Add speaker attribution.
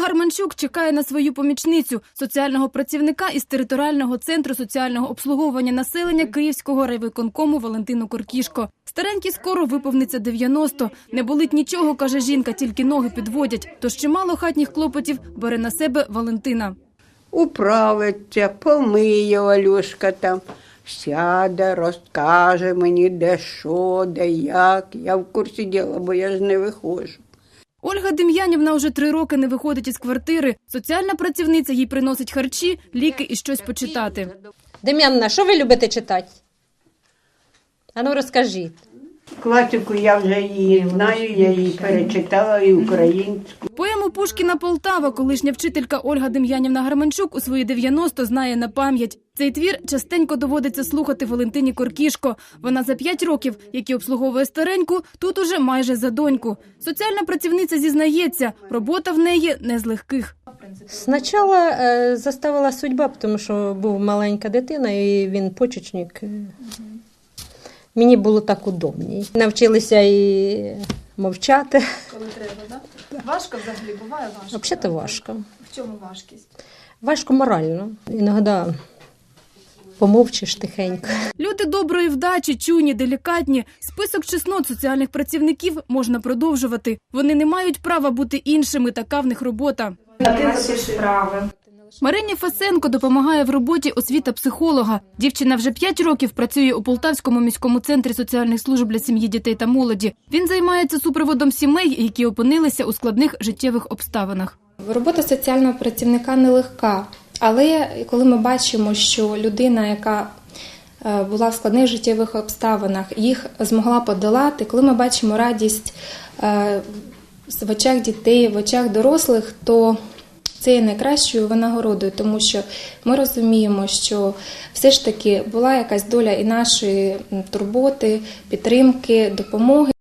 Speaker 1: Гарманчук чекає на свою помічницю – соціального працівника із територіального центру соціального обслуговування населення Київського райвиконкому Валентину Коркішко. Старенькій скоро виповниться 90. Не болить нічого, каже жінка, тільки ноги підводять. Тож чимало хатніх клопотів бере на себе Валентина.
Speaker 2: Управиться, помиє Валюшка там, сяде, розкаже мені, де що, де як. Я в курсі діла, бо я ж не виходжу.
Speaker 1: Ольга Дем'янівна уже 3 роки не виходить із квартири. Соціальна працівниця їй приносить харчі, ліки і щось почитати.
Speaker 3: Дем'янна, що ви любите читати? Ану, розкажіть.
Speaker 2: Класику я вже її знаю, я її перечитала і українську.
Speaker 1: Поему Пушкіна «Полтава» колишня вчителька Ольга Дем'янівна Гарманчук у свої 90 знає на пам'ять. Цей твір частенько доводиться слухати Валентині Коркішко. Вона за 5 років, які обслуговує стареньку, тут уже майже за доньку. Соціальна працівниця зізнається, робота в неї не з легких.
Speaker 3: Спочатку заставила судьба, тому що був маленька дитина і він почечник. Мені було так удобніше. Навчилися і мовчати.
Speaker 1: Коли треба, так? Важко взагалі? Буває важко?
Speaker 3: Взагалі важко.
Speaker 1: В чому важкість?
Speaker 3: Важко морально. Іноді помовчиш тихенько.
Speaker 1: Люди доброї вдачі, чуйні, делікатні. Список чеснот соціальних працівників можна продовжувати. Вони не мають права бути іншими, така в них робота. Марині Фесенко допомагає в роботі освіта-психолога. Дівчина вже 5 років працює у Полтавському міському центрі соціальних служб для сім'ї, дітей та молоді. Він займається супроводом сімей, які опинилися у складних життєвих обставинах.
Speaker 4: Робота соціального працівника нелегка, але коли ми бачимо, що людина, яка була в складних життєвих обставинах, їх змогла подолати, коли ми бачимо радість в очах дітей, в очах дорослих, то це є найкращою винагородою, тому що ми розуміємо, що все ж таки була якась доля і нашої турботи, підтримки, допомоги.